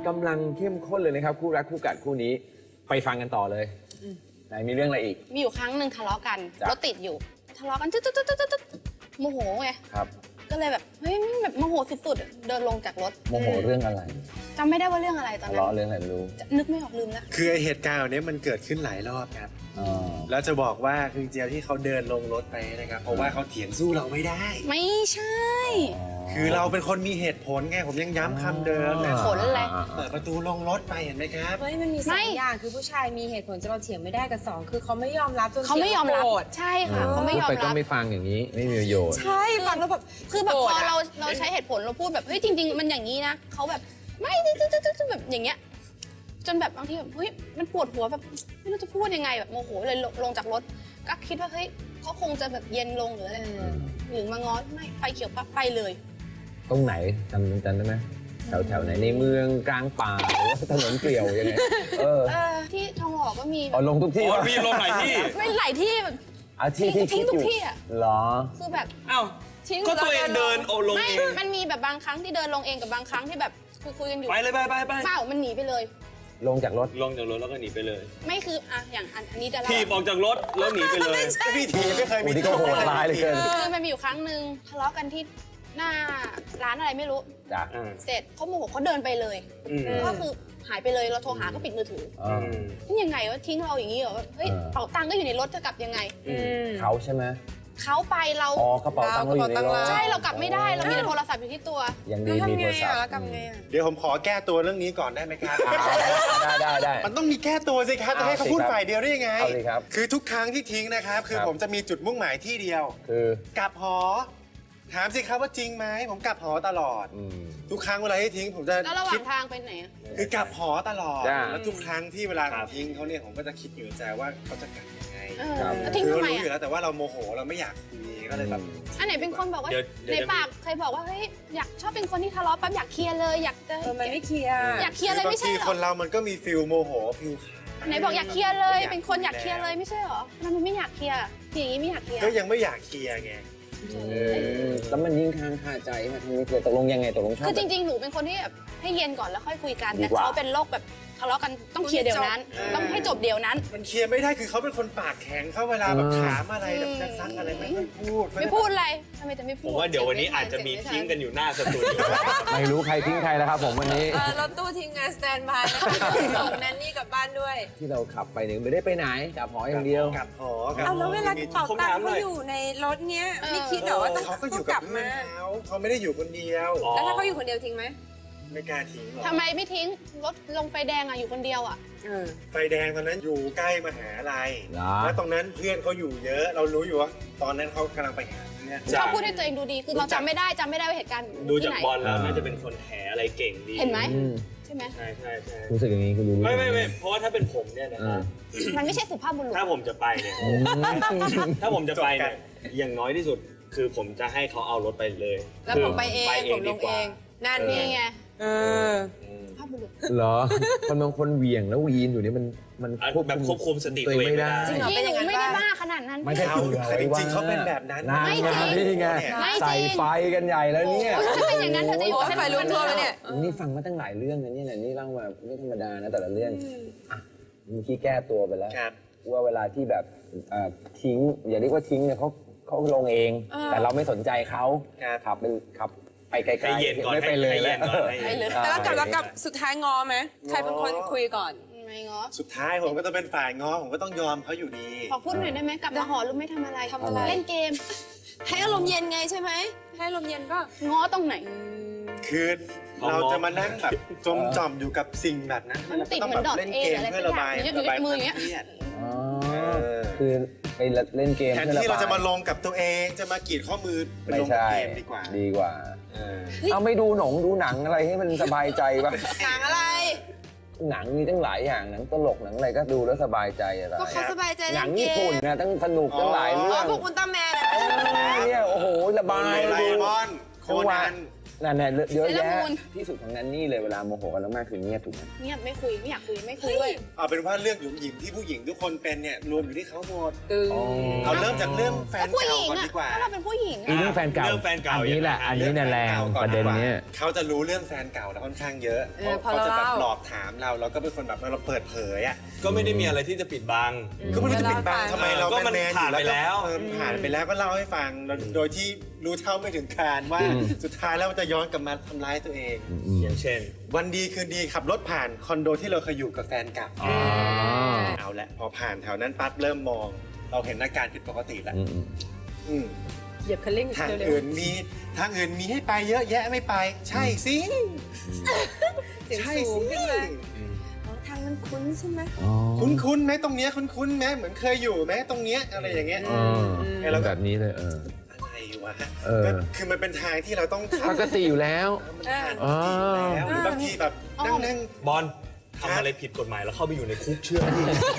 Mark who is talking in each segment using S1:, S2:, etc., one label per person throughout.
S1: กำลังเข้มข้นเลยนะครับคู่รักคู่กัดคู่นี้ไปฟังกันต่อเลยไหนมีเรื่องอะไรอีก
S2: มีอยู่ครั้งหนึ่งทะเลาะกันรถติดอยู่ทะเลาะกันโมโหไง
S1: ครับ
S2: ก็เลยแบบเฮ้ยแบบโมโหสุดๆเดินลงจากรถ
S1: โมโหเรื่องอะไร
S2: จำไม่ได้ว่าเรื่องอะไรตอนนั้น
S1: ทะเลาะเรื่องอะไรไม่รู้
S2: นึกไม่ออกลืมแล้ว
S3: คือเหตุการณ์นี้มันเกิดขึ้นหลายรอบครับแล้วจะบอกว่าคือจริงๆที่เขาเดินลงรถไปนะครับเพราะว่าเขาเถียงสู้เราไม่ได้
S2: ไม่ใช่
S3: คือเราเป็นคนมีเหตุผลไงผมยังย้ำคำเดิมนะ
S2: ผลอะไร
S3: เปิดประตูลงรถไปเห็นไหมครับ
S4: เฮ้ยมันมีสองอย่างคือผู้ชายมีเหตุผลจะเราเถียงไม่ได้กับสองคือเขาไม่ยอมรับจน
S2: เขาไม่ยอมรับใช่ค่ะเขาไม่ยอมรับ
S1: ก็ไม่ฟังอย่างนี้ไม่มีประโยชน์
S4: ใช่ฟังแล้วแบบ
S2: คือแบบพอเราใช้เหตุผลเราพูดแบบเฮ้ยจริงๆมันอย่างนี้นะเขาแบบไม่แบบอย่างเงี้ยจนแบบบางทีแบบเฮ้ยมันปวดหัวแบบไม่รู้จะพูดยังไงแบบโมโหเลยลงจากรถก็คิดว่าเฮ้ยเขาคงจะแบบเย็นลงหรืออะไรหรือมาง้อไม่ไฟเขียวปั๊บไปเลย
S1: ตรงไหนจำได้ไหมแถวไหนในเมืองกลางป่าหรือว่าถนนเปลี่ยวยังไง
S2: ที่ทองหล่อก็มี
S1: ลงทุกที่
S5: มีลงหลายที่
S2: ไม่หลายที่แบบ
S1: ทิ้ง
S2: ทุกที่อ่ะ
S1: หรอ
S2: คือแบบ
S5: อ้าวก็ตัวเองเดินลงเอง
S2: มันมีแบบบางครั้งที่เดินลงเองกับบางครั้งที่แบบคุยกันอยู่
S5: ไปเลยไป
S2: เปล่ามันหนีไปเลย
S1: ลงจากรถ
S5: แล้วก็หนีไปเลย
S2: ไม่คืออย่างอันนี้จะ
S5: ถีบออกจากรถแล้วหนีไปเลย
S3: พี่ถีบไม่เคยมี
S1: ที่โหดร้ายเลยเกิน
S2: คือมันมีอยู่ครั้งหนึ่งทะเลาะกันที่หน้าร้านอะไรไม่รู้เสร็จเขาโมโหเขาเดินไปเลยก็คือหายไปเลยเราโทรหาก็ปิดมือถือนี่ยังไงวะทิ้งเราอย่างนี้เหรอเฮ้ยเป๋าตังค์ก็อยู่ในรถจะกลับยังไง
S1: เขาใช่ไหม
S2: เขาไปเรา
S1: กระเป๋าตังค์เราอยู่ในรถ
S2: ใช่เรากลับไม่ได้เรามีโทรศัพท์อยู่ที่ตัว
S1: ยังดีมีโทรศัพท์
S4: แล้วกลับไง
S3: เดี๋ยวผมขอแก้ตัวเรื่องนี้ก่อนได้ไหมครับ
S1: ได้
S3: มันต้องมีแก้ตัวสิครับจะให้เขาพูดฝ่ายเดียวได้ยังไง
S1: ครับ
S3: คือทุกครั้งที่ทิ้งนะครับคือผมจะมีจุดมุ่งหมายที่เดียว
S1: คือก
S3: ลับหอถามสิครับว่าจริงไหมผมกลับหอตลอดทุกครั้งเวลาที่ทิ้งผมจะ
S2: แล้วระหว่างทางไปไหน
S3: คือกลับหอตลอดแล้วทุกครั้งที่เวลาทิ้งเขาเนี่ยผมก็จะคิดอยู่ในใจว่าเขาจะกลับยังไง
S2: คือ
S3: เรารู้อยู่แล้วแต่ว่าเราโมโหเราไม่อยากคุยก็เลยแบบ
S2: อันไหนเป็นคนบอกว่าในปากเคยบอกว่าเฮ้ยอยากชอบเป็นคนที่ทะเลาะปั๊บอยากเคลียร์เลยอยากจะ
S4: มันไม่เคลียร์
S2: อยากเคลียร์เลยไม่ใช่หรอ
S3: คนเรามันก็มีฟิลโมโหฟิล
S2: ไหนบอกอยากเคลียร์เลยเป็นคนอยากเคลียร์เลยไม่ใช่หรอมันไม่อยากเคลียร์อย่างนี้ไม่อยากเคลียร์
S3: ก็ยังไม่อยากเคลียร์ไง
S1: แล้วมันยิ่งค้างคาใจค่ะทีนี้ตกลงยังไงตกลงชอบ
S2: คือจริงๆหนูเป็นคนที่แบบให้เย็นก่อนแล้วค่อยคุยกันแต่เขาเป็นโรคแบบทะเลาะกันต้องเคลียร์เดี๋ยวนั้นต้องให้จบเดี๋ยวนั้น
S3: มันเคลียร์ไม่ได้คือเขาเป็นคนปากแข็งเขาเวลาแบบถามอะไรแบบจะซักอะไรไม่พูด
S2: อะไรทำไมจะไม่พูด
S5: ผมว่าเดี๋ยววันนี้อาจจะมีทิ้งกันอยู่หน้าสตูดิโอ
S1: ไม่รู้ใครทิ้งใครแล้วครับผมวันนี้
S4: รถตู้ทีมงานสแตนบายนะคะส่งแนนนี่กลับบ้านด้วย
S1: ที่เราขับไปเนี่ยไม่ได้ไปไหนกลับหออย่างเดียว
S3: กลับหอ
S4: แล้วเวลากระเป๋าตังค์เขาอยู่ในรถเนี้ยไม่คิดหรอว่า
S3: เขาก็อยู่กับเพื่อนเขาไม่ได้อยู่คนเดียว
S4: แล้วถ้าเขาอยู่คนเดียวทิ้งไหม
S3: ไม่กล้าทิ้งหรอก
S2: ทำไมไม่ทิ้งรถลงไฟแดงอยู่คนเดียว
S3: ไฟแดงตอนนั้นอยู่ใกล้มหาลัยแล้วตรงนั้นเพื่อนเขาอยู่เยอะเรารู้อยู่ว่าตอนนั้นเขากำลังไปหาเนี่ย
S2: เขาพูดให้ตัวเองดูดีคือเราจำไม่ได้ว่าเหตุการณ์
S5: ดูจากบอลแล้วน่าจะเป็นคนแถอะไรเก่งดี
S2: เห็นไหมใช่ไหม
S5: ใช่
S1: รู้สึกอย่างนี้คือรู้
S5: ไม่เพราะว่าถ้าเป็นผมเนี่ยนะครับ
S2: มันไม่ใช่สุภาพบุรุษ
S5: ถ้าผมจะไปเนี่ยอย่างน้อยที่สุดคือผมจะให้เขาเอารถไปเลย
S4: แล้วผมไปเองผมลงเองนั่นไง
S2: ภาพบุรุษ
S1: เหรอคนบางคนเหวี่ยงแล้ววีนอยู่นี่มัน
S5: แบบควบคุมสติตัวเองไม่ได้
S2: จริงๆหนูไม่ได้บ้าขนาดนั้น
S1: ไม่ใช่
S3: จริงๆเขาเป็นแบบนั้น
S2: ไม่จริง
S1: นี่ไงใส่ไฟกันใหญ่แล้วเนี่ย
S2: ถ้าเป็นอย่างนั้นเธอจะอยู่
S4: ให้ไฟลุกท่วมเนี่ย
S1: นี่ฟังมาตั้งหลายเรื่องนะนี่เล่ามาไม่ธรรมดานะแต่ละเรื่องมีที่แก้ตัวไปแล้วว่าเวลาที่แบบทิ้งอย่าเรียกว่าทิ้งเนี่ยเขาลงเองแต่เราไม่สนใจเขาขับไปไกลๆไม่ไปเลย
S4: แล้วกลับสุดท้ายงอไหมใครเป็นคนคุยก่อน
S2: ไม่ง้อ
S3: สุดท้ายผมก็ต้องเป็นฝ่ายง้อผมก็ต้องยอมเขาอยู่ดี
S2: ขอพูดหน่อยได้ไหมกลับมาหอรู้ไม่ทำอะไรเล่นเกม
S4: ให้อารมณ์เย็นไงใช่ไหมให้อารมณ์เย็นก็
S2: ง้อตรงไหน
S3: คือเราจะมานั่งแบบจมจ่อมอยู่กับสิ่งแบบนั้น
S2: มันติดเหมือนดอทเออะไรสักอย่างอยู่ในมืออย่างเงี้ย
S1: คือไปเล่นเกม
S3: แทนที่เราจะมาลงกับตัวเองจะมากรีดข้อมือไปลงเกมดีกว่า
S1: เอาไม่ดูดูหนังอะไรให้มันสบายใจป่ะ
S4: หนังอะไร
S1: หนังมีตั้งหลายอย่างหนังตลกหนังอะไรก็ดูแล้วสบายใจอะไร
S4: ก็เขาสบายใจ
S1: หนังญี่ปุ่นนะตั้งสนุกตั้งหลายเรื่อง
S4: พวกอุลตร้าแมน
S1: เนี่ยโอ้โหระบาย
S3: ไดมอนด์โคนัน
S1: นั่นๆเยอะ
S2: เซเลอ
S1: แยะ
S2: รามูน
S1: ที่สุดของแนนนี่เลยเวลาโมโหกันแล้วมากคือเงียบถูกไหม
S2: เงียบไม่คุยไม่อยากคุยไม่คุยด้วย
S3: เอาเป็นว่าเรื่องหยุมหยิมที่ผู้หญิงทุกคนเป็นเนี่ยรวมอยู่ที่เขาหมด
S1: อ๋อ
S3: เอาเริ่มจากเรื่องแฟน
S2: ผู้ห
S3: เก่า
S2: ญิง
S3: ก่อน
S2: อะ
S3: ดีกว่า
S2: ถ้าเราเป็นผู้หญิง
S1: อี
S2: อะ
S1: เรื่องแฟนเก่า
S5: เรื่องแฟนเก่า
S1: อันนี้แหละ
S5: ยังไง
S1: อันนี้เนี่ยแรงประเด็นเนี้ย
S3: เขาจะรู้เรื่องแฟนเก่าเราค่อนข้างเยอะ
S4: พอ
S3: เขา
S4: เรา
S3: จะแบบ
S4: เล่า
S3: หลอกถามเราแล้วก็เป็นคนแบบเราเปิดเผยอ่ะ
S5: ก็ไม่ได้มีอะไรที่จะปิดบัง
S3: ก็ไม่รู้จะปิดบังทำไมเรา
S5: ก็มัน
S3: แมนๆอยู่
S5: ผ่านไปแล้ว
S3: ก็ผ่านไปแล้วก็เล่าให้ฟังโดยที่รู้เท่าไม่ถึงการว่าสุดท้ายแล้วมันจะย้อนกลับมาทำร้ายตัวเอง
S5: อย่างเช่น
S3: วันดีคืนดีขับรถผ่านคอนโดที่เราเคยอยู่กับแฟนเก่า
S1: อ๋อ
S3: เอาละพอผ่านแถวนั้นปั๊บเริ่มมอง เราเห็นอาการผิดปกติแล้ว อืม
S4: เหยียบคันเร่ง
S3: ทาง
S4: เร็ว
S3: อื่นมีให้ไปเยอะแยะไม่ไป ใช่สิ
S4: ๆเสียง
S3: ใช่
S4: สู
S3: สิ
S4: งขึ้นมาอ๋อทางมันคุ้นใช่ไหม
S3: คุ้นไหมตรงเนี้ยคุ้นไหมเหมือนเคยอยู่ไหมตรงเนี้ยอะไรอย่างเงี้ย
S1: แล้วแบบนี้เลย
S3: อะไรวะ
S1: เออ
S3: ก็คือมันเป็นทางที่เราต้อง
S1: ปกติอยู่แล้ว
S3: มันผ่านปกติอยู่แล้วหรือบางทีแบบนั่ง
S5: บอลทำอะไรผิดกฎหมายแล้วเข้าไปอยู่ในคุกเชื่อดิ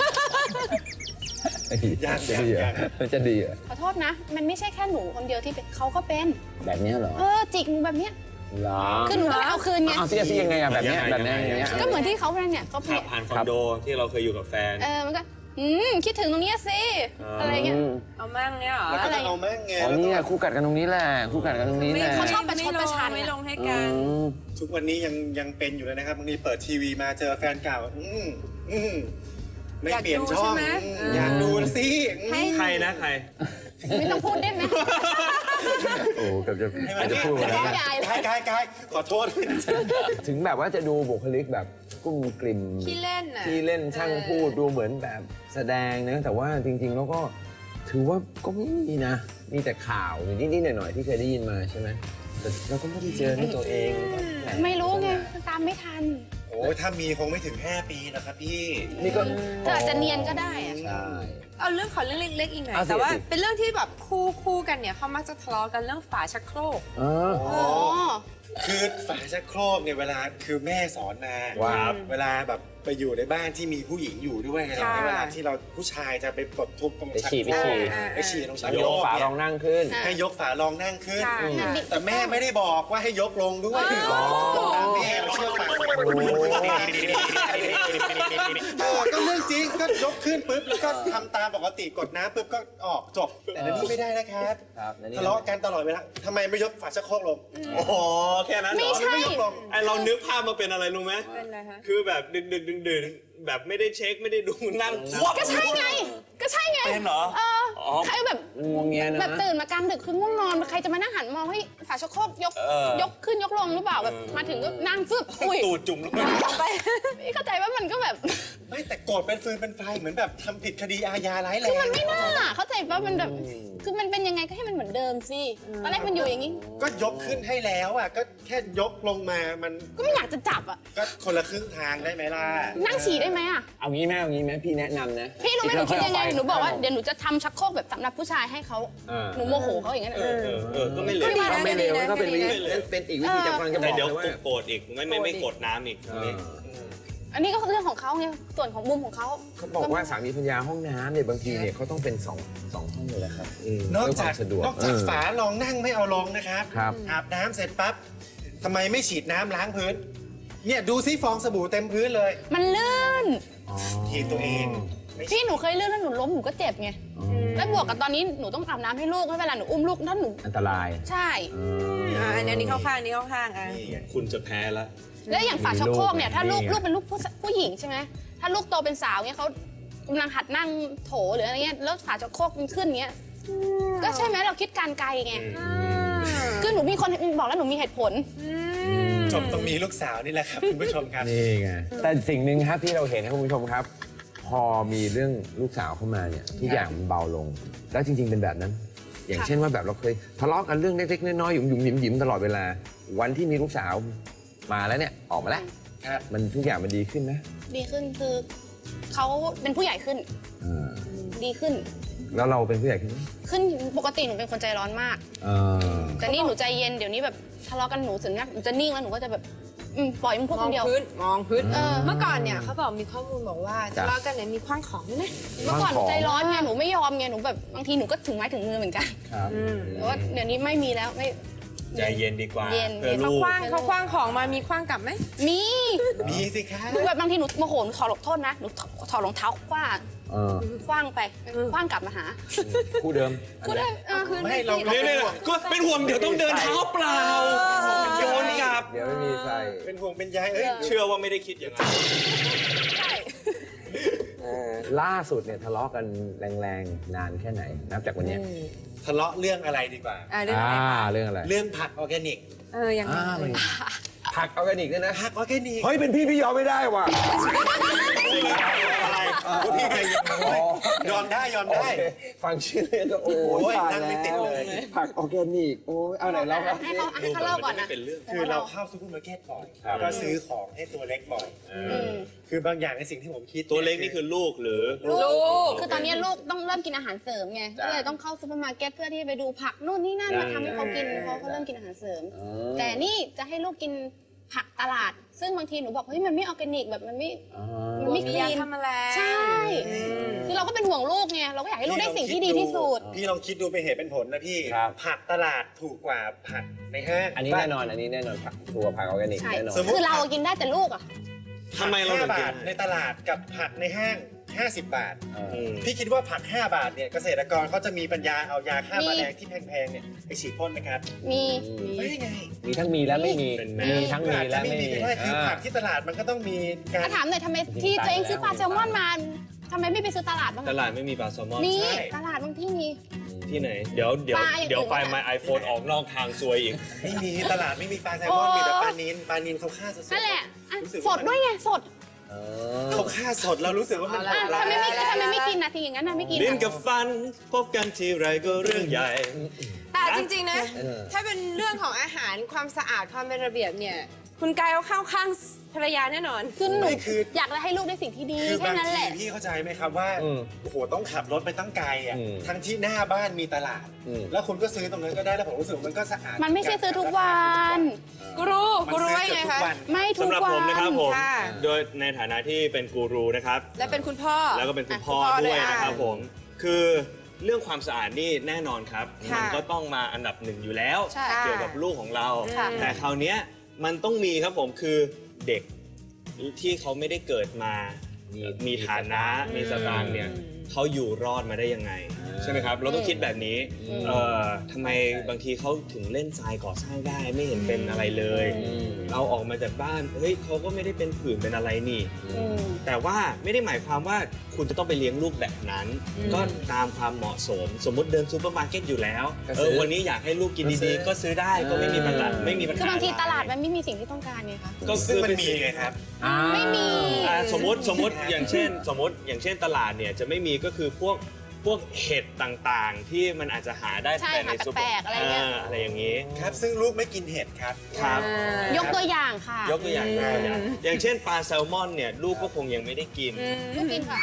S1: มันจะดีเหรอ
S2: ขอโทษนะ มันไม่ใช่แค่หนูคนเดียวที่เป็นเขาก็เป็น
S1: แบบนี้เหรอ
S2: จิกหนูแบบเนี้ย
S1: เหรอ
S2: คือหนูก็เลยเอาคืนไง
S1: เอาสิยังไงอะแบบเนี้ยอย่างเงี้ย
S2: ก็เหมือนที่เขาเป็นเนี่ยเขา
S5: ขับผ่านคอนโดที่เราเคยอยู่กับแฟน
S2: มันก็คิดถึงตรงเนี้ยสิอะไรเงี้ย
S4: เอามั่งเนี่ยเหรอ
S3: แล้วก็จะเอาแม่งไง
S1: อ๋อ
S3: แล้ว
S1: เนี่ยคู่กัดกันตรงนี้แหละคู่กัดกันตรงนี้แหละ
S2: เขาชอบประชดประชัน
S4: ไม่ลงให้
S1: อื
S4: กัน
S1: ม
S3: ทุกวันนี้ยังเป็นอยู่เลยนะครับบางทีเปิดทีวีมาเจอแฟนเก่าไม่เปลี่ยนช่องอยากดูสิ
S5: ใครนะใคร
S2: ไม่ต้องพูดได้ไหม
S1: โอ้เกือบจะพูด
S2: จะ
S1: แล้ว
S2: ฟ้อง
S1: นะ
S2: ยายเลย
S3: กายขอโทษ
S1: ถึงแบบว่าจะดูบุคลิกแบบกุ้มกลิ่ม
S4: ขี้เล่นน่ะ
S1: ที่เล่นช่างพูดดูเหมือนแบบแสดงนะแต่ว่าจริง ๆ แล้วก็ถือว่าก็ไม่มีนะ มีแต่ข่าวนิดๆหน่อยๆที่เคยได้ยินมาใช่ไหมแต่เราก็ไม่ได้เจอด้วยตัวเองก็แห
S2: ไม่รู้ไงตามไม่ทัน
S3: โอ้ถ้ามีคงไม่ถึง5 ปีนะครับพี่
S1: นี่ก็
S2: เธออาจจะเนียนก็ได้อะ
S1: ใช่
S4: เอาเรื่องขอเรื่องเล็กๆอีกหน่อย
S1: เอาสิ
S4: แต่ว่า
S1: เอาสิ
S4: เป็นเรื่องที่แบบคู่กันเนี่ยเขามักจะทะเลาะกันเรื่องฝาชักโครก
S1: อ๋อ
S2: อ๋อ
S3: คือฝาชักโครกเนี่ยเวลาคือแม่สอนมา
S1: ว่า
S3: เวลาแบบไปอยู่ในบ้านที่มีผู้หญิงอยู่ด้วยไง
S4: ค่ะ
S3: เวลาที่เราผู้ชายจะไปปลดทุบตรง
S1: ไป
S3: ชัก
S1: ฉี่
S3: โครก
S4: อ่า
S3: ไปฉี่ตรงชัก
S1: ย
S3: โคร
S1: ก
S3: ก
S1: ฝา
S3: เนี่ย
S1: รองนั่งขึ้น
S3: ให้ยกฝารองนั่งขึ้น
S4: ค่ะ
S3: แต่แม่ไม่ได้บอกว่าให้ยกลงด้วยแม่เราเชื่อฟังก็เรื่องจริงก็ยกขึ้นปุ๊บแล้วก็ทำตามปกติกดน้ำปุ๊บก็ออกจบแต่อันนี้ไม่ได้นะครับ
S1: ครับนั่นนี่
S3: ทะเลาะกันตลอดเวลาทำไมไม่ยกฝาชักโครกลง
S5: โอ้โหแค่นั้นเหรอ
S2: ไม่ใช่
S3: ไม่ยกลง
S5: ไอเรานึกภาพมาเป็นอะไรรู้ไหม
S4: เป็นอะไรคะ
S5: คือแบบดึกแบบไม่ได้เช็คไม่ได้ดูนั่งควัก
S2: ก็ใช่ไง ก็ใช่ไง
S5: เป็นเหรอ
S2: ใครแบบ
S1: งวงเงียนะ
S2: แบบตื่นมากลางดึกคือง่วงนอนใครจะมานั่งหันมองให้ฝาชักโครกยกขึ้นยกลงหรือเปล่าแบบมาถึงก็นั่งฟึบอุ้ย
S5: ตูดจุ่มลงไป
S2: ไปไม่เข้าใจว่ามันก็แบบ
S3: ไม่แต่โกรธเป็นฟืนเป็นไฟเหมือนแบบทำผิดคดีอาญาร้ายแรง
S2: มันไม่น่าเข้าใจว่ามันแบบคือมันเป็นยังไงก็ให้มันเหมือนเดิมสิตอนแรกมันอยู่อย่างนี้
S3: ก็ยกขึ้นให้แล้วอ่ะก็แค่ยกลงมามัน
S2: ก็ไม่อยากจะจับอ่ะ
S3: ก็คนละครึ่งทางได้ไหมล่ะ
S2: นั่งฉี่ได้ไหมอ่ะ
S1: เอางี้ไหมพี่แนะนำนะ
S2: พี่รู้ไหมหนูคิดยังไงหนูบอกว่าเดี๋ยวหนูจะทำชักโครกแบบสำหรับผู้ชายให้เขาหนูโมโหเขาอย่างนั้น
S5: ก็ไม่เหลว
S1: ก็ไม่เร็วก็เป็นวิธี
S5: ไม่เร็ว
S1: เป็นอีกวิธีจะกำลังจะบ
S5: แต่
S1: อก
S5: เดี๋ยว
S1: เลยว่า
S5: โกรธอีกไม่กดน้ำอีก
S2: อันนี้ก็เรื่องของเขาไงส่วนของมุมของเขา
S1: เขาบอกว่าสามีภรรยาห้องน้ำเนี่ยบางทีเนี่ยเขาต้องเป็นสองห้องเลยแหละครับ
S3: นอก
S1: เพื่อค
S3: จาก
S1: วามสะดวก
S3: ฝารองนั่งไม่เอาลงนะครับ
S1: ครับ
S3: อาบน้ำเสร็จปั๊บทำไมไม่ฉีดน้ำล้างพื้น เนี่ยดูซิฟองสบู่เต็มพื้นเลย
S2: มันลื่น
S3: ทีตัวเองไม่
S2: พี่หนูเคยลื่นแล้วหนูล้มหนูก็เจ็บไงแล้วบวกกับตอนนี้หนูต้องอาบน้ำให้ลูกให้เวลาหนูอุ้มลูกถ้าหนู
S1: อันตราย
S2: ใช่
S4: อันนี้เข้าข้างนี่เข้าข้างอ่ะ
S3: นี่ไง
S5: คุณจะแพ้แล้ว
S2: แล้วอย่างฝาชักโครกเนี่ยถ้าลูก
S1: นี่ไง
S2: เป็นลูกผู้หญิงใช่ไหมถ้าลูกโตเป็นสาวเนี่ยเขากำลังหัดนั่งโถหรืออะไรเงี้ยแล้วฝาชักโครกมันขึ้นเงี้ยก็ใช่ไหมเราคิดการไกลไงคือหนูมีคนบอกแล้วหนูมีเหตุผล
S3: จบต้องมีลูกสาวนี่แหละครับคุณผู้ชมครับ
S1: นี่ไงแต่สิ่งหนึ่งครับที่เราเห็นนะคุณผู้ชมครับ พอมีเรื่องลูกสาวเข้ามาเนี่ยทุกอย่างมันเบาลง แล้วจริง ๆ เป็นแบบนั้น อย่างเช่นว่าแบบเราเคยทะเลาะกันเรื่องเล็กๆน้อยๆหยุ่มๆหยิมๆตลอดเวลา วันที่มีลูกสาวมาแล้วเนี่ยออกมาแล้ว
S3: ครับ
S1: มันทุกอย่างมันดีขึ้นไหม
S2: ดีขึ้นคือเขาเป็นผู้ใหญ่ขึ้น
S1: อ่า
S2: ดีขึ้น
S1: แล้วเราเป็นผู้ใหญ่ขึ้นไหม
S2: ขึ้นปกติหนูเป็นคนใจร้อนมาก
S1: อ่า
S2: แต่นี่หนูใจเย็นเดี๋ยวนี้แบบทะเลาะกันหนูถึงหนูจะนิ่งแล้วหนูก็จะแบบปล่อยมันพูด
S4: ม
S2: ค
S4: อง
S2: นเดียว
S4: พื้น
S2: เออ
S4: เมื่อก่อนเนี่ยเขาบอกมีข้อมูลบอกว่าทะเลาะกันเนี่ยมีคว้างของด้วยนะ
S2: เมื่อก่อนหนูใจร้อนไงหนูไม่ยอมไงหนูแบบบางทีหนูก็ถึงไม้ถึงมือเหมือนกัน
S1: ครับ
S2: แต่ว่าเดี๋ยวนี้ไม่มีแล้วไม่
S5: ใจเย็นดีกว่า
S2: เย็น
S5: เพื่อ
S4: เขา
S5: ลูก
S4: คว้างของมามีคว้างกลับไหม
S2: มี
S3: มีสิคะ
S2: หนูแบบบางทีหนูโมโหหนูถอดโทษนะหนูถอดรองเท้าคว้างคว้างไปคว้างกลับมาหา
S1: คู่เดิม
S2: ก็ได้คืน
S3: ไม่เรา
S5: เนี่ยก็เป็นห่วงเดี๋ยวต้องเดินเท้าเปล่าโยนกลับ
S1: เดี๋ยวไม่มีใส่
S3: เป็นห่วงเป็นใยเอ้ย
S5: เชื่อว่าไม่ได้คิดอย่างนั้น
S1: ล่าสุดเนี่ยทะเลาะกันแรงๆนานแค่ไหนนับจากวันเนี้ย
S3: ทะเลาะเรื่องอะไรดีกว่า
S4: เรื่องอะไรคะ
S1: เรื่องอะไร
S3: เรื่องผักออร์แกนิก
S4: ยังไง
S1: มันผักออร์แกนิกด้วยนะ
S3: ผักออร์แกนิก
S1: เฮ้ยเป็นพี่ยอมไม่ได้ว่ะ
S3: อะไรพี่ใจเย็นยอมได้ยอมได้
S1: ฟังชื่อเรื่องก็โอ้
S3: โอ้ย
S1: ตาย
S3: นั่งไม่ติดเลย
S1: ผักออร์แกนิกโอ้ยเอาไหนเราครับ
S2: ให้เขาเล่าก่อนนะ
S5: เป็นเรื่อง
S3: คือเราเข้าซูเปอร์มาร์เก็ตบ่อยแล้วก็ซื้อของให้ตัวเล็กบ่อยคือบางอย่างในสิ่งที่ผมคิด
S5: ตัวเล็กนี่คือลูกหรือ
S2: ลูกคือตอนนี้ลูกต้องเริ่มกินอาหารเสริมไงก็เลยต้องเข้าซูเปอร์มาร์เก็ตเพื่อที่จะไปดูผักนู่นนี่นั่นมาทำให้เขากินเพราะเขาเริ่มกินอาหารเสริม แต่นี่จะให้ลูกกินผักตลาด ซึ่งบางทีหนูบอกเฮ้ยมันไม่ออร์แกนิกแบบมันไม่ค
S4: มี
S2: ลี
S4: ยาน ทำแมลง
S2: ใช่คือเราก็เป็นห่วงลูกไงเราก็อยากให้ลูกได้สิ่งที่ดีที่สุด
S3: พี่ลองคิดดูเป็นเหตุเป็นผลนะพี่ผักตลาดถูกกว่าผักในห้าง
S1: อันนี้แน่นอนผักตัวผักออร์แกนิก
S2: ใช่
S1: แน่นอน
S2: คือเรากินได้แต่ลูกอ่ะ
S5: ทำไมเราถึง
S3: 5
S5: กิ
S3: บาน ทในตลาดกับผักในห้าง 50 บาท
S5: อืม
S3: พี่คิดว่าผัก 5 บาทเนี่ยเกษตรกรเขาจะมีปัญญาเอายาฆ่าแมลงที่แพงๆเนี่ยไปฉีดพ่นนะครับ
S2: มี
S3: ไม่ไง
S1: มีทั้งมีและไม่มี
S5: เป็นแม่
S1: มีทั้งมี
S3: อาจ
S1: และ
S3: จะไม่
S1: ไม่
S3: มี
S1: มี
S3: ก็ได้คือผักที่ตลาดมันก็ต้องมีการ
S2: ถามหน่อยทำไมที่ตัวเองซื้อปลาแซลมอนมาทำไมไม่ไปซื้อตลาดบ้าง
S5: ตลาดไม่มีปลาแซลมอน
S2: มี
S3: ใช่
S2: ตลาดบางที่มี
S5: ที่ไหน เดี๋ยว
S2: ปลาอย่างอื่น
S5: เดี๋ยวไปมา iPhone ออกนอกทางซวยอีก
S3: ไม่มีตลาดไม่มีปลาแซลมอน
S2: โอ้
S3: มีแต่ปลานิลเขาฆ่าสดๆ
S2: นั่นแหละอ่ะ
S3: รู้สึก
S2: สดด้วยไงสด
S3: เขาฆ่าสดเรารู้สึกว่ามันโห
S2: อ่ะ
S3: ดร้า
S2: ทำไม
S3: ย
S2: ไม่กินนะทีอย่างนั้นนะไม่กิน
S5: ลิ้น
S2: อ่ะ
S5: กับฟันพบกันทีไรก็เรื่องใหญ่
S4: แต่จริงๆนะ ถ้าเป็นเรื่องของอาหารความสะอาดความเป็นระเบียบเนี่ย คุณกายเขาเข้าข้างภรรยาแน่นอน
S2: คือหนู
S3: ไม่คือ
S2: อยากจะให้ลูกได้สิ่งที่ดี
S3: คือ
S2: แค่
S3: บาง
S2: นั้น
S3: ที
S2: แหละ
S3: พี่เข้าใจไหมครับว่าโอ้โหต้องขับรถไปตั้งไกลอ่ะ
S1: อืม
S3: ทั้งที่หน้าบ้านมีตลาด แล้วคุณก็ซื้อตรงนั้นก็ได้แล้วผมรู้สึกว่ามันก็สะอาด
S2: มันไม่ใช่ซื้อทุกวัน
S4: กูรู้ว่ายังไงคะ
S2: ไม่ทุ
S5: สำ
S2: ก
S5: หรับ
S2: วั
S5: ผมนะครับผม
S4: ค่ะ
S5: โดยในฐานะที่เป็นกูรูนะครับ
S4: และเป็นคุณพ่อ
S5: แล้วก็เป็นคุณพ่อ
S4: คุณพ่อ
S5: ด้วย
S4: ด้วย
S5: นะครับ
S4: อ่ะ
S5: ผม คือเรื่องความสะอาดนี่แน่นอนครับ
S4: ค่ะ
S5: มันก็ต้องมาอันดับหนึ่งอยู่แล้ว
S2: ใช่
S5: เกี่ยวกับลูกของเรา
S2: ค่ะ
S5: แต่คราวเนี้ยมันต้องมีครับผมคือเด็กที่เขาไม่ได้เกิดมา มีฐานะมีสตางค์เนี่ยเขาอยู่รอดมาได้ยังไง ใช่ไหมครับ เราต้องคิดแบบนี้ทำไมบางทีเขาถึงเล่นทรายก่อสร้างได้ไม่เห็นเป็นอะไรเลย เราออกมาจากบ้านเฮ้ยเขาก็ไม่ได้เป็นผื่นเป็นอะไรนี่ แต่ว่าไม่ได้หมายความว่าคุณจะต้องไปเลี้ยงลูกแบบนั้น ก็ตามความเหมาะสม สมมติเดินซูเปอร์มาร์เก็ตอยู่แล้ว
S1: ก็ซื้อ
S5: วันนี้อยากให้ลูกกินดีๆ ก็ซื้อได้ก็ไม่มีปัญหาไม่มีปัญหา
S2: คือบางทีตลาดมันไม่มีสิ่งที่ต้องการไงคะ
S5: ก็
S3: ซึ่ง
S5: คือ
S3: มันมีไงครับ
S2: ไม่มี
S5: สมมติอย่างเช่นตลาดเนี่ยจะไม่มีก็คือพวกเห็ดต่างๆ ที่มันอาจจะหาได้
S2: ใช่
S5: แต่ใน
S2: หา
S5: ซูเป
S2: แป
S5: อ
S2: ลก
S5: ร์
S2: ๆอะไรเงี้ย
S5: อะไรอย่างนี้
S3: ครับ ซึ่งลูกไม่กินเห็ดครับ
S5: ครับ
S2: ยกตัวอย่างค่ะ
S5: ยกตัวอย่างอย่างเช่นปลาแซลมอนเนี่ยลูกก็คงยังไม่ได้กิน
S2: ลูกกินค่ะ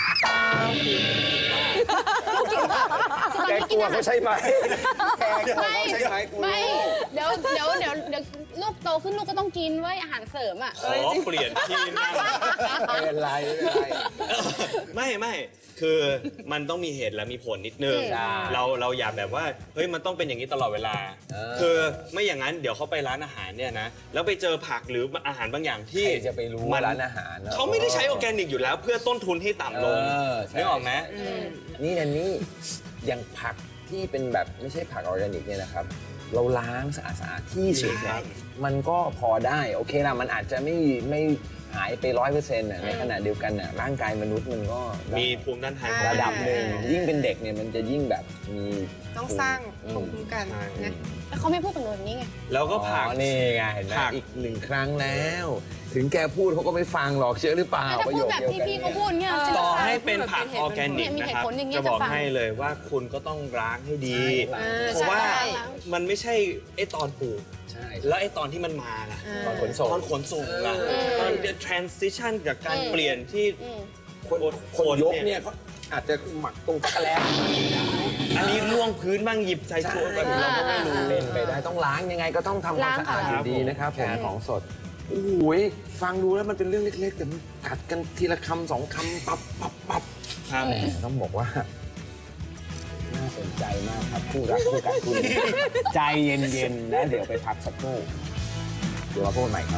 S1: แกกลัวเขาใช่ไหมแกกลัว
S2: ไม่
S1: เขาใช่ไหมกลัว
S2: ไม่เดี๋ยวลูกโตขึ้นลูกก็ต้องกินไว้ยอาหารเสริมอ่ะ
S5: ขอเปลี่ยนที่นั่ง
S1: ไม่เป็นไรไม่เป็นไร
S5: ไม่คือมันต้องมีเหตุและมีผลนิดนึง
S1: ใช่
S5: เราอย่าแบบว่าเฮ้ยมันต้องเป็นอย่างนี้ตลอดเวลา คือไม่อย่างนั้นเดี๋ยวเขาไปร้านอาหารเนี่ยนะแล้วไปเจอผักหรืออาหารบางอย่างที่
S1: ใครจะไปรู้ว่าร้านอาหารนะ
S5: เขาไม่ได้ใช้ออร์แกนิกอยู่แล้วเพื่อต้นทุนให้ต่ำลง
S1: ใช่
S5: นึกออกไหม
S1: นี่นะนี่อย่างผักที่เป็นแบบไม่ใช่ผักออร์แกนิกเนี่ยนะครับ เราล้างสะอาดๆที่สุด
S5: ครับ
S1: มันก็พอได้โอเคละมันอาจจะไม่หายไป100%ในขณะเดียวกันน่ะร่างกายมนุษย์มันก็ได้
S5: มีภูมิต้านทาน
S1: ระดับหนึ่งยิ่งเป็นเด็กเนี่ยมันจะยิ่งแบบมี
S4: ต้องสร้างภูมิคุ้มกันนะ
S2: แต่เขาไม่พูดกับหนูแบบนี้ไง
S5: แล้วก็
S1: อ๋
S5: ผัก
S1: อนี่ไงเห็นไหม
S5: ผัก
S1: อีกหนึ่งครั้งแล้ว ถึงแกพูดเขาก็ไม่ฟังหรอกเชื่อหรือเปล่า
S2: ถ้า
S1: ประ
S2: พู
S1: โย
S2: ด
S1: ค
S2: แบบ
S1: เดียว
S2: ที่
S1: กัน
S2: พี่เขาพูดเนี่ย
S5: ต่อให้เป็นผักออร์แกนิก
S2: มี
S5: นะ
S2: เหตุ
S5: ครับ
S2: ผลอย่างเงี้ย
S5: จะบอก
S2: จะฟัง
S5: ให้เลยว่าคุณก็ต้องล้างให้ดี เพราะว่ามันไม่ใช่ไอ้ตอนปลูก
S1: ใช่
S5: แล้วไอ้ตอนที่มันมาล่ะ
S1: ตอนขนส่ง
S5: ตอนขนส่งล่ะตอน transition จากการเปลี่ยนที่
S1: คนยกเนี่ยเขาอาจจะหมักตรงตะแกรง
S5: อันนี้ล่วงพื้นบ้างหยิบใส่ถ้วยแบบเราก็ไม่รู้
S1: เป็นไปได้ต้องล้างยังไงก็ต้องทำความสะอาดอยู่ดีนะครับผมของสดโอ้ยฟังดูแล้วมันเป็นเรื่องเล็กๆแต่มันกัดกันทีละคำสองคำปับ
S5: ครับ
S1: แหมต้องบอกว่าน่าน่าสนใจมากครับคู่รักคู่กัดคู่นี้ใจเย็นๆแล้วเดี๋ยวไปพักสักครู่เดี๋ยวมาพบกันใหม่ครับ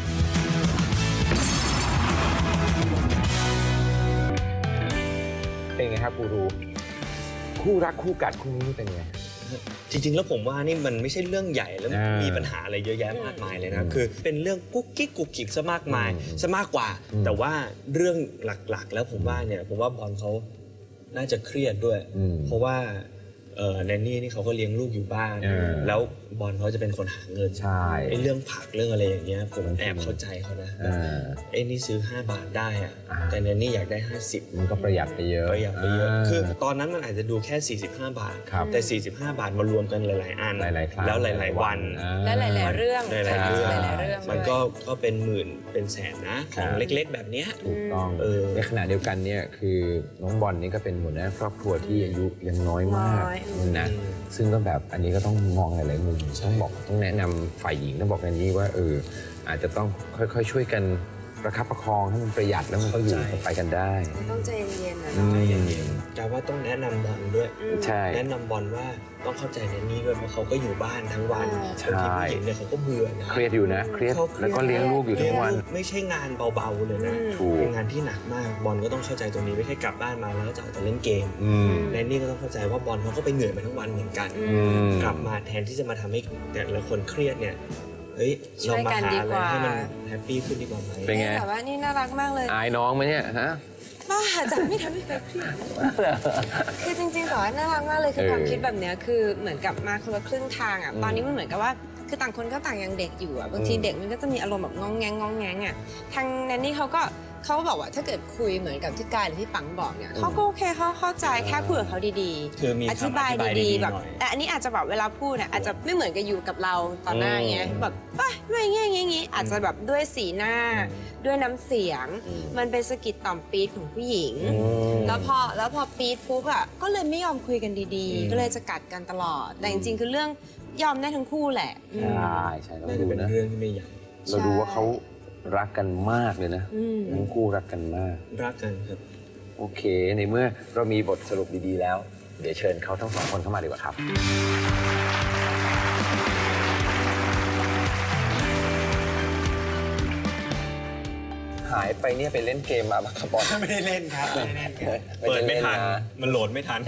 S1: เป็นไงครับกูรูคู่รักคู่กัดคู่นี้เป็นไง
S5: จริงๆแล้วผมว่านี่มันไม่ใช่เรื่องใหญ่แล้วมีปัญหาอะไรเยอะแยะมากมายเลยนะคือเป็นเรื่องกุ๊กกิ๊กกุ๊กกิ๊กซะมากมายซะมากกว่าแต่ว่าเรื่องหลักๆแล้วผมว่าบอลเขาน่าจะเครียดด้วยเพราะว่าแนนนี่เขาก็เลี้ยงลูกอยู่บ้านแล้วบอลเขาจะเป็นคนหาเงิน
S1: ใช่
S5: ไอ้เรื่องผักเรื่องอะไรอย่างเงี้ยผมแอบเข้าใจเขานะไอ้นี่ซื้อ5 บาทได้อะแต่แนนนี่อยากได้50
S1: มันก็ประหยัดไปเยอะ
S5: คือตอนนั้นมันอาจจะดูแค่45 บาทแต่45 บาทมารวมกันหลายๆอัน
S1: หลายๆครั้ง
S5: แล้วหลายๆวัน
S4: และหลายๆเรื่อง
S5: หลายๆเรื่องมันก็เป็นหมื่นเป็นแสนนะของเล็กๆแบบเนี้ย
S1: ถูกต้องในขณะเดียวกันเนี่ยคือน้องบอลนี่ก็เป็นหัวหน้าครอบครัวที่อายุยังน้อยมากนะซึ่งก็แบบอันนี้ก็ต้องมองหลายๆมุมต้องแนะนำฝ่ายหญิงต้องบอกกันนี้ว่าอาจจะต้องค่อยๆช่วยกันประคับประคองให้มันประหยัดแล้วมันก็อยู่ไปกันได้
S4: ต้องใจเย็นๆนะ
S5: ใจเย็นๆแต่ว่าต้องแนะนำบอลด้วย
S1: ใช่
S5: แนะนำบอลว่าต้องเข้าใจแนนนี่ด้วยเพราะเขาก็อยู่บ้านทั้งวันบางทีผู้หญิงเนี่ยเขาก็เบื่อนะ
S1: เครียดอยู่นะเครียดแล้วก็เลี้ยงลูกอยู่ทั้งวัน
S5: ไม่ใช่งานเบาๆเลยนะเป็นงานที่หนักมากบอลก็ต้องเข้าใจตรงนี้ไม่ใช่กลับบ้านมาแล้วก็จะเอาแต่เล่นเกมแนนนี่ก็ต้องเข้าใจว่าบอลเขาก็ไปเหนื่อยมาทั้งวันเหมือนกันกลับมาแทนที่จะมาทำให้แต่ละคนเครียดเนี่ยเฮ้ยเรามาหาอะไรให้มันแฮปปี้ขึ้นดีกว่าไหม
S1: เป็นไง
S4: แต่ว่านี่น่ารักมากเลย
S1: อายน้องไหมเนี่ยฮะ
S4: บ้าจะไม่ทำให้ใครเครียดคือจริงๆแต่ว่าน่ารักมากเลยคือความคิดแบบนี้คือเหมือนกับมาคนละครึ่งทางอ่ะตอนนี้มันเหมือนกับว่าคือต่างคนก็ต่างยังเด็กอยู่อ่ะบางทีเด็กมันก็จะมีอารมณ์แบบงองแงงอ่ะทางแนนนี่เขาบอกว่าถ้าเกิดคุยเหมือนกับที่กายหรือที่ปังบอกเนี่ยเขาก็โอเคเขาเข้าใจแค่พูดกับเขาดี
S5: ๆอ
S4: ธิบายดีๆแบบแต่อันนี้อาจจะแบบเวลาพูดเนี่ยอาจจะไม่เหมือนกับอยู่กับเราตอนหน้าเงี้ยแบบไม่เงี้ยอาจจะแบบด้วยสีหน้าด้วยน้ำเสียงมันเป็นสะกิดต่อมปี๊ดของผู้หญิงแล้วพอปี๊ดปุ๊บอ่ะก็เลยไม่ยอมคุยกันดีๆก็เลยจะกัดกันตลอดแต่จริงๆคือเรื่องยอมได้ทั้งคู่แหละ
S1: ใช่เราดูนะ
S5: เรื่องที่ไม่ใหญ่
S1: เราดูว่าเขารักกันมากเลยนะทั้งคู่รักกันมาก
S5: รักกันครับ
S1: โอเคในเมื่อเรามีบทสรุปดีๆแล้วเดี๋ยวเชิญเขาทั้ง2 คนเข้ามาดีกว่าครับหายไปเนี่ยไปเล่นเกมมาครับบอล
S3: ไม่ได้เล่นครับ
S5: เปิดไม่ทันมันโหลดไม่ทัน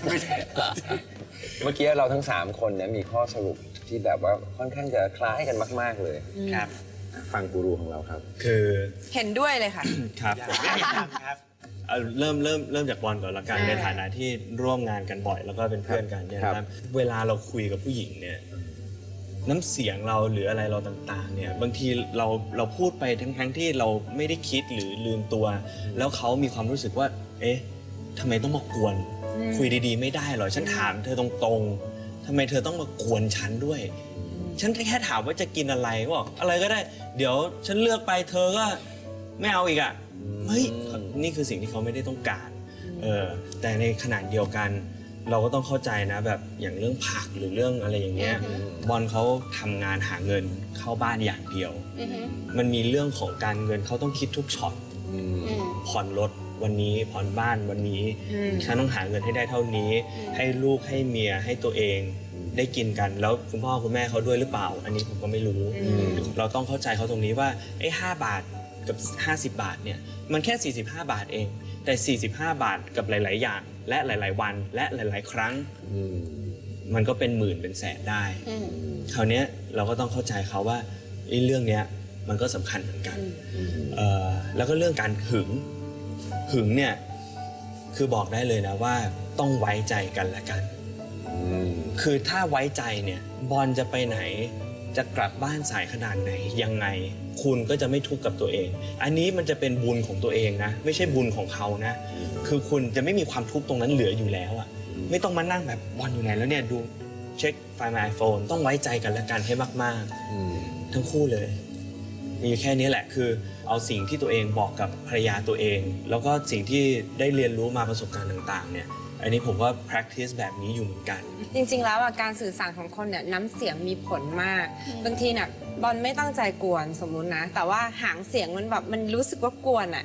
S1: เมื่อกี้เราทั้ง3 คนเนี่ยมีข้อสรุปที่แบบว่าค่อนข้างจะคล้ายกันมากๆเลย
S5: ครับ
S1: ฟังกูรูของเราครับ
S5: คือ
S4: เห็นด้วยเลยค่ะ
S5: ครับเริ่มจากบอลก่อนละกันในฐานะที่ร่วมงานกันบ่อยแล้วก็เป็นเพื่อนกันเนี่ยครับเวลาเราคุยกับผู้หญิงเนี่ยน้ำเสียงเราหรืออะไรเราต่างๆเนี่ยบางทีเราพูดไปทั้งที่เราไม่ได้คิดหรือลืมตัวแล้วเขามีความรู้สึกว่าเอ๊ะทำไมต้องมากวนคุยดีๆไม่ได้หรอฉันถามเธอตรงๆทำไมเธอต้องมากวนฉันด้วยฉันแค่ถามว่าจะกินอะไรก็บอกอะไรก็ได้เดี๋ยวฉันเลือกไปเธอก็ไม่เอาอีกอ่ะเฮ้ยนี่คือสิ่งที่เขาไม่ได้ต้องการแต่ในขณะเดียวกันเราก็ต้องเข้าใจนะแบบอย่างเรื่องผักหรือเรื่องอะไรอย่างเงี้ยบอลเขาทำงานหาเงินเข้าบ้านอย่างเดียวมันมีเรื่องของการเงินเขาต้องคิดทุกช็อตผ่อนรถวันนี้ผ่อนบ้านวันนี้ฉันต้องหาเงินให้ได้เท่านี้ให้ลูกให้เมียให้ตัวเองได้กินกันแล้วคุณพ่อคุณแม่เขาด้วยหรือเปล่าอันนี้ผมก็ไม่รู้เราต้องเข้าใจเขาตรงนี้ว่าไอ้5 บาทกับ50 บาทเนี่ยมันแค่45 บาทเองแต่45 บาทกับหลายๆอย่างและหลายๆวันและหลายๆครั้งมันก็เป็นหมื่นเป็นแสนได้คราวนี้เราก็ต้องเข้าใจเขาว่าเรื่องนี้มันก็สำคัญเหมือนกันแล้วก็เรื่องการหึงเนี่ยคือบอกได้เลยนะว่าต้องไว้ใจกันและกันคือถ้าไว้ใจเนี่ยบอลจะไปไหนจะกลับบ้านสายขนาดไหนยังไงคุณก็จะไม่ทุกข์กับตัวเองอันนี้มันจะเป็นบุญของตัวเองนะไม่ใช่บุญของเขานะคือคุณจะไม่มีความทุกข์ตรงนั้นเหลืออยู่แล้วอ่ะไม่ต้องมานั่งแบบบอลอยู่ไหนแล้วเนี่ยดูเช็คไฟล์ My iPhone ต้องไว้ใจกันและกันให้มากๆทั้งคู่เลยมีแค่นี้แหละคือเอาสิ่งที่ตัวเองบอกกับภรรยาตัวเองแล้วก็สิ่งที่ได้เรียนรู้มาประสบการณ์ต่างๆเนี่ยอันนี้ผมว่า practice แบบนี้อยู่เหมือนกัน
S4: จริงๆแล้วการสื่อสารของคนเนี่ยน้ำเสียงมีผลมากบางทีน่ะบอลไม่ตั้งใจกวนสมมุตินะแต่ว่าหางเสียงมันแบบมันรู้สึกว่ากวนอ่ะ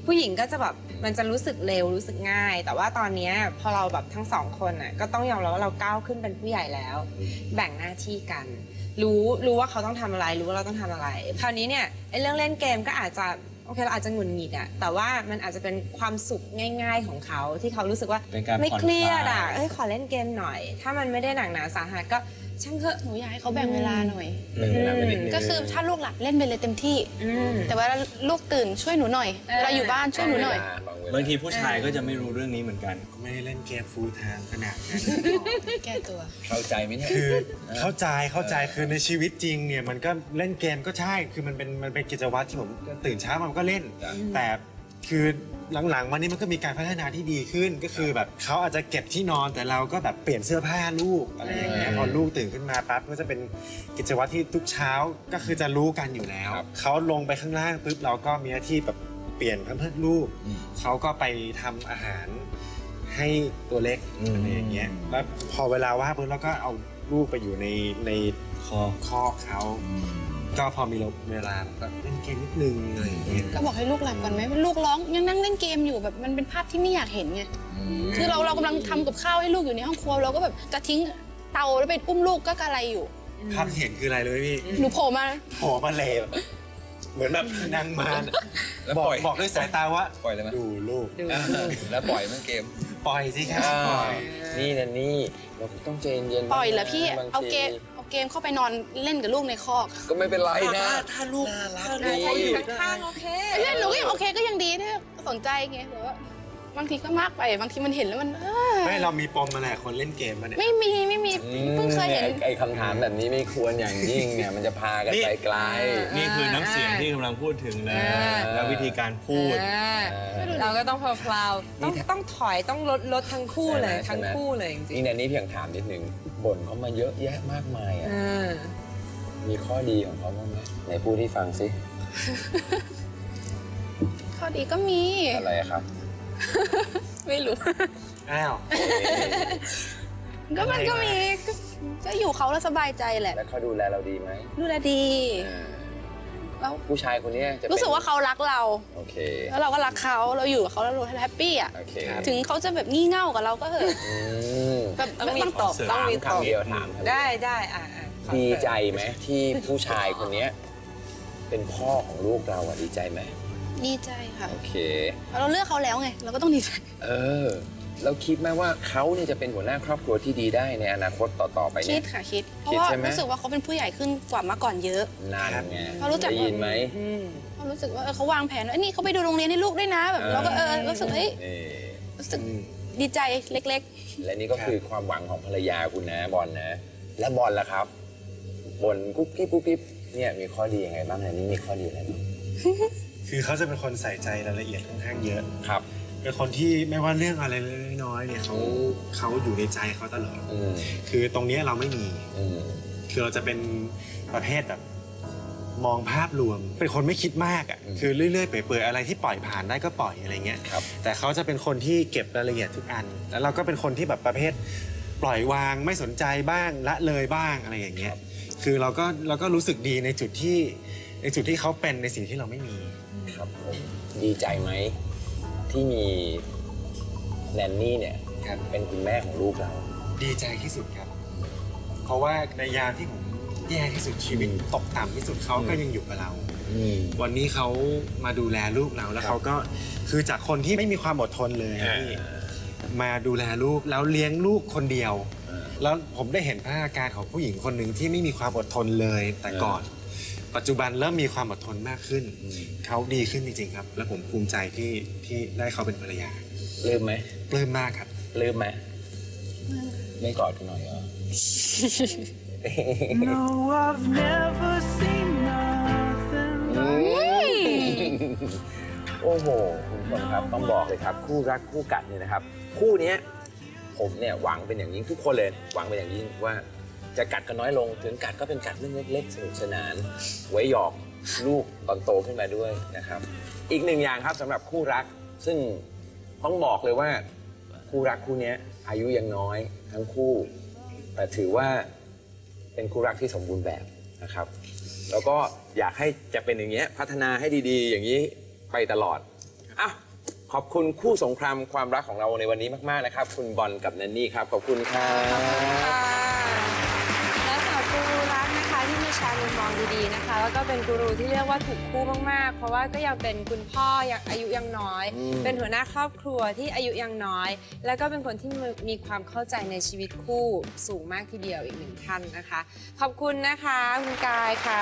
S4: ผู้หญิงก็จะแบบมันจะรู้สึกเร็วรู้สึกง่าย แต่ว่าตอนเนี้ยพอเราแบบทั้งสองคนน่ะก็ต้องยอมรับว่าเราก้าวขึ้นเป็นผู้ใหญ่แล้ว แบ่งหน้าที่กัน รู้ว่าเขาต้องทำอะไรรู้ว่าเราต้องทำอะไรคราวนี้เนี่ยไอ้เรื่องเล่นเกมก็อาจจะโอเคเราอาจจะหงุดหงิดอะแต่ว่ามันอาจจะเป็นความสุขง่าย ๆของเขาที่เขารู้สึกว่า
S5: เป็นการ
S4: ไม่
S5: ผ่อน
S4: เครียด
S5: คลา
S4: อะ
S5: ย
S4: เอ้ยขอเล่นเกมหน่อย ถ้ามันไม่ได้หนักหนาสาหัสก็ช่างเถอะ
S2: หนูอยากให้เขาแบ่งเวลาหน่อย
S1: เวลาไปนิดนึง
S2: ก็คือถ้าลูกหลับเล่นไปเลยเต็มที่
S4: อืม
S2: แต่ว่าลูกตื่นช่วยหนูหน่อยเวลาอยู่บ้านช่วยหนูหน่อย
S5: บางทีผู้ชายก็จะไม่รู้เรื่องนี้เหมือนกัน
S3: ก็ไม่ได้เล่นเกมฟูลไทม์ขนาดนั้น
S2: แก้ตัว
S1: เข้าใจไหมเนี่ย
S3: คือเข้าใจคือในชีวิตจริงเนี่ยมันก็เล่นเกมก็ใช่คือมันเป็นกิจวัตรที่ผมตื่นเช้ามันก็เล่น
S1: จ้ะ
S3: แต่คือหลังๆมานี้มันก็มีการพัฒนาที่ดีขึ้นก็คือแบบเขาอาจจะเก็บที่นอนแต่เราก็แบบเปลี่ยนเสื้อผ้าลูกอะไรอย่างเงี้ยพอลูกตื่นขึ้นมาปั๊บก็จะเป็นกิจวัตรที่ทุกเช้าก็คือจะรู้กันอยู่แล้วเขาลงไปข้างล่างปุ๊บเราก็มีหน้าที่แบบเปลี่ยนแพมเพิร์สลูกเขาก็ไปทำอาหารให้ตัวเล็กอะไรอย่างเงี้ยแล้วพอเวลาว่างปุ๊บเราก็เอาลูกไปอยู่ในคอกเขาก็พอมีเวลาก็เล่นเกมนิดนึงอะไรอย่างเงี้ย
S2: ก็บอกให้ลูกหลับก่อนไหมลูกร้องยังนั่งเล่นเกมอยู่แบบมันเป็นภาพที่ไม่อยากเห็นไงคือเรากำลังทำกับข้าวให้ลูกอยู่ในห้องครัวเราก็แบบจะทิ้งเตาแล้วไปอุ้มลูกก็กระไรอยู่
S3: ภาพที่เห็นคืออะไรเลยพี่
S2: หนูโผล่มา
S3: โผล่มาเลยเหมือนแบบนางมาร
S1: แล้ว
S3: บอ
S1: ป
S3: ก
S1: ล่อย
S3: บอกด้วยสายตาว่า
S1: ปล่อยเลยไหม
S3: ดูลูก
S1: แล้วปล่อยมันเกม
S3: ปล่อยสิครับปล่อย
S1: นี่นะนี่เราต้องใจเย็นๆ
S2: ปล่อยเหรอพี่
S1: บงที
S2: เอาเกมเข้าไปนอนเล่นกับลูกในคอก
S1: ก็ไม่เป็นไรนะ
S3: ถ้าลูก
S1: ดี
S4: ใครอยู่ข้างๆโอเค
S2: เล่นหนูก็ยังโอเคก็ยังดีที่สนใจไงแต่ว่าบางทีก็มากไปบางทีมันเห็นแล้วมัน
S3: ไม่เรามีปมมาแหละคนเล่นเกมมาเนี่ย
S2: ไม่มีเพิ่งเคยเห็น
S1: ไอ้คำถามแบบนี้ไม่ควรอย่างยิ่งเนี่ยมันจะพากันไปไกล
S5: นี่คือน้ำเสียงที่กำลังพูดถึงแล้วและวิธีการพูด
S4: เราก็ต้องพลาวๆต้องถอยต้องลดทั้งคู่เลย
S1: ใช่ไหม
S4: ทั้งคู่เลยจริง
S1: นี่แนนนี่เพียงถามนิดนึงบ่นเขามาเยอะแยะมากมายอ่ะมีข้อดีของเขาบ้างไหมไหนพูดที่ฟังสิ
S2: ข้อดีก็มี
S1: อะไรอะครับ
S2: ไม่รู้
S3: อ้าว
S2: ก็มันก็มีก็อยู่เขาแล้วสบายใจแหละ
S1: แล้วเขาดูแลเราดีไหม
S2: ดูแลดี แล้ว
S1: ผู้ชายคนนี้จะเป็น
S2: รู้สึกว่าเขารักเรา
S1: โอเค
S2: แล้วเราก็รักเขาเราอยู่กับเขาแล้วเราแฮปปี้อ่ะ
S1: โอเค
S2: ถึงเขาจะแบบงี่เง่ากับเราก็เถอะ
S1: อืม
S2: แบบ
S4: ต้องมี
S2: บาง
S4: ตอบต้องมีต
S1: ถา
S4: อ
S1: ม
S4: บ
S1: คำเดียวถาม
S4: ได้ขอ
S1: ดี
S4: เสริม
S1: ใจไหมที่ผู้ชายคนนี้เป็นพ่อของลูกเราอะดีใจไหม
S2: ดีใจค่ะ
S1: โอเค
S2: เราเลือกเขาแล้วไงเราก็ต้องดีใจ
S1: เออแล้วคิดไหมว่าเขาเนี่ยจะเป็นหัวหน้าครอบครัวที่ดีได้ในอนาคตต่อๆไป
S2: คิ
S1: เนี่
S2: ด
S1: ย
S2: ค่ะคิด เพ
S1: คิ
S2: ราะ
S1: ด
S2: ว่า
S1: ใช่ไหม
S2: รู้สึกว่าเขาเป็นผู้ใหญ่ขึ้นกว่าเมื่อก่อนเยอะ
S1: นั่นไง
S2: เขารู้จัก
S1: ได้ยินไหม
S2: เรารู้สึกว่าเขาวางแผนว่านี่เขาไปดูโรงเรียนให้ลูกด้วยนะแบบเราก็รู้สึกเฮ้ย
S1: นี่
S2: รู้สึกดีใจเล็ก
S1: และนี่ก็คือความหวังของภรรยาคุณนะบอลนะ และบอลล่ะครับบอลกุ๊บกิ๊บกุ๊บกิ๊บเนี่ยมีข้อดียังไงบ้างในนี้มีข้อดีอะไรบ้าง
S3: คือเขาจะเป็นคนใส่ใจรายละเอียดค่อนข้างเยอะ
S1: ครับ
S3: เป็นคนที่ไม่ว่าเรื่องอะไรเล็กๆน้อยๆเนี่ยเขาอยู่ในใจเขาตลอด
S1: อืม
S3: คือตรงเนี้ยเราไม่มี
S1: อืม
S3: คือเราจะเป็นประเภทแบบมองภาพรวม เป็นคนไม่คิดมากอ่ะคือเรื่อยๆเปื่อยๆอะไรที่ปล่อยผ่านได้ก็ปล่อยอะไรเงี้ย
S1: ครับ
S3: แต่เขาจะเป็นคนที่เก็บรายละเอียดทุกอัน แล้วเราก็เป็นคนที่แบบประเภทปล่อยวางไม่สนใจบ้างละเลยบ้างอะไรอย่างเงี้ยคือเราก็รู้สึกดีในจุดที่เขาเป็นในสิ่งที่เราไม่มี
S1: ครับผมดีใจไหมที่มีแนนนี่เนี่ยเป็นคุณแม่ของลูกเรา
S3: ดีใจที่สุดครับ เพราะว่าในยามที่ผมแย่ที่สุดชีวิตตกต่ำที่สุดเขาก็ยังอยู่กับเรา วันนี้เขามาดูแลลูกเราแล้วเขาก็คือจากคนที่ไม่มีความอดทนเลยอะพี่มาดูแลลูกแล้วเลี้ยงลูกคนเดียว แล้วผมได้เห็นพัฒนาการของผู้หญิงคนหนึ่งที่ไม่มีความอดทนเลยแต่ก่อน ปัจจุบันเริ่มมีความอดทนมากขึ้น เขาดีขึ้นจริงๆครับ และผมภูมิใจที่ได้เขาเป็นภรรยา
S1: ลืมไหม
S3: ปลื้มมากครับ
S1: ลืมไหมไม่กอดกันหน่อยเหรอ
S6: No, I've never seen nothing like
S1: โอ้โหคุณผู้ชมครับต้องบอกเลยครับ คู่รักคู่กัดเนี่ยนะครับ คู่เนี้ยผมเนี่ยหวังเป็นอย่างยิ่งทุกคนเลยหวังเป็นอย่างยิ่งว่าจะกัดกันน้อยลงถึงกัดก็เป็นกัดเรื่องเล็กๆสนุกสนาน ไว้หยอกลูกตอนโตขึ้นมาด้วยนะครับ อีกหนึ่งอย่างครับสำหรับคู่รักซึ่งต้องบอกเลยว่าคู่รักคู่นี้อายุยังน้อยทั้งคู่ แต่ถือว่าเป็นคู่รักที่สมบูรณ์แบบนะครับ แล้วก็อยากให้จะเป็นอย่างเงี้ยพัฒนาให้ดีๆ อย่างนี้ไปตลอดอ่ะขอบคุณคู่สงครามความรักของเราในวันนี้มากๆนะครับคุณบอลกับแนนนี่ครับขอบคุณครับ
S4: ค่ะและสาวกูรูรักนะคะที่มีแชร์มุมมองดีๆนะคะแล้วก็เป็นกูรูที่เรียกว่าถูกคู่มากๆเพราะว่าก็ยังเป็นคุณพ่อยังอายุยังน้อย เป็นหัวหน้าครอบครัวที่อายุยังน้อย แล้วก็เป็นคนที่มีความเข้าใจในชีวิตคู่สูงมากทีเดียวอีกหนึ่งท่านนะคะขอบคุณนะคะคุณกายค่ะ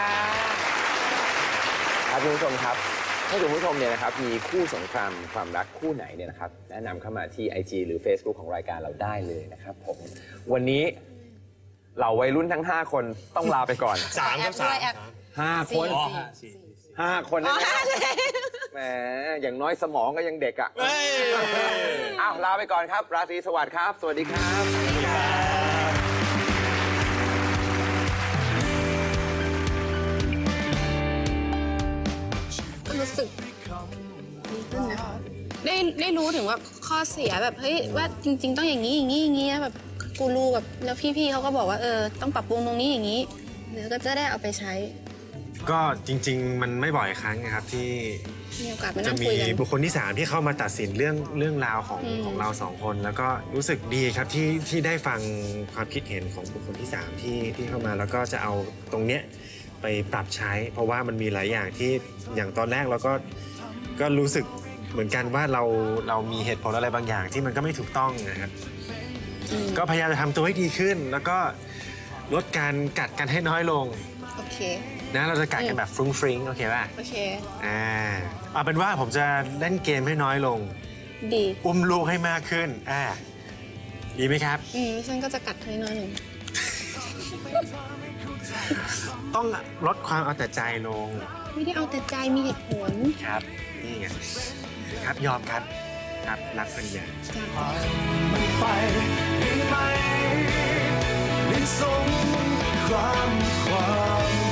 S1: ครับคุณผู้ชมครับถ้าคุณผู้ชมเนี่ยนะครับมีคู่สงครามความรักคู่ไหนเนี่ยนะครับแนะนำเข้ามาที่ IG หรือ Facebook ของรายการเราได้เลยนะครับผมวันนี้เหล่าวัยรุ่นทั้ง 5 คนต้องลาไปก่อน
S5: 3 ครับ
S4: แอบ
S1: 5 คน 5 คนนะแหมอย่างน้อยสมองก็ยังเด็กอ่ะอ้าวลาไปก่อนครับราตรีสวัสดิ์ครับ สวัสดีครับ
S2: รู้สึกดีขึ้นนะได้รู้ถึงว่าข้อเสียแบบเฮ้ยว่าจริงๆต้องอย่างนี้อย่างนี้อย่างนี้แบบกูรูแบบแล้วพี่ๆเขาก็บอกว่าต้องปรับปรุงตรงนี้อย่างนี้เดี๋ยวก็จะได้เอาไปใช้
S3: ก็จริงๆมันไม่บ่อยครั้งนะครับที่
S2: มีโอกาสมา
S3: จะ
S2: นั่ง
S3: มี
S2: คุยกัน
S3: บุคคลที่ 3 ที่เข้ามาตัดสินเรื่องราวของเรา 2 คน แล้วก็รู้สึกดีครับที่ได้ฟังความคิดเห็นของบุคคลที่ 3 ที่เข้ามาแล้วก็จะเอาตรงเนี้ยไปปรับใช้ เพราะว่ามันมีหลายอย่างที่อย่างตอนแรกเราก็รู้สึกเหมือนกันว่าเรามีเหตุผลอะไรบางอย่างที่มันก็ไม่ถูกต้องนะครับก็พยายามจะทำตัวให้ดีขึ้น แล้วก็ลดการกัดกันให้น้อยลง
S2: โอเค
S3: นะเราจะกัดกันแบบฟรุ้งฟริ้งโอเคป่ะ
S2: โอเค
S3: เอาเป็นว่าผมจะเล่นเกมให้น้อยลง
S2: ดี
S3: อุ้มลูกให้มากขึ้นดีไหมครับ
S2: ฉันก็จะกัดเธอน้อยหนึ่ง
S3: ต้องลดความเอาแต่ใจลง
S2: ไม่ได้เอาแต่ใจมีเหตุผล
S3: ครับนี่ไงครับยอมครับครับรักปัญญา
S6: มันไปได้ไหมได้สงครามความ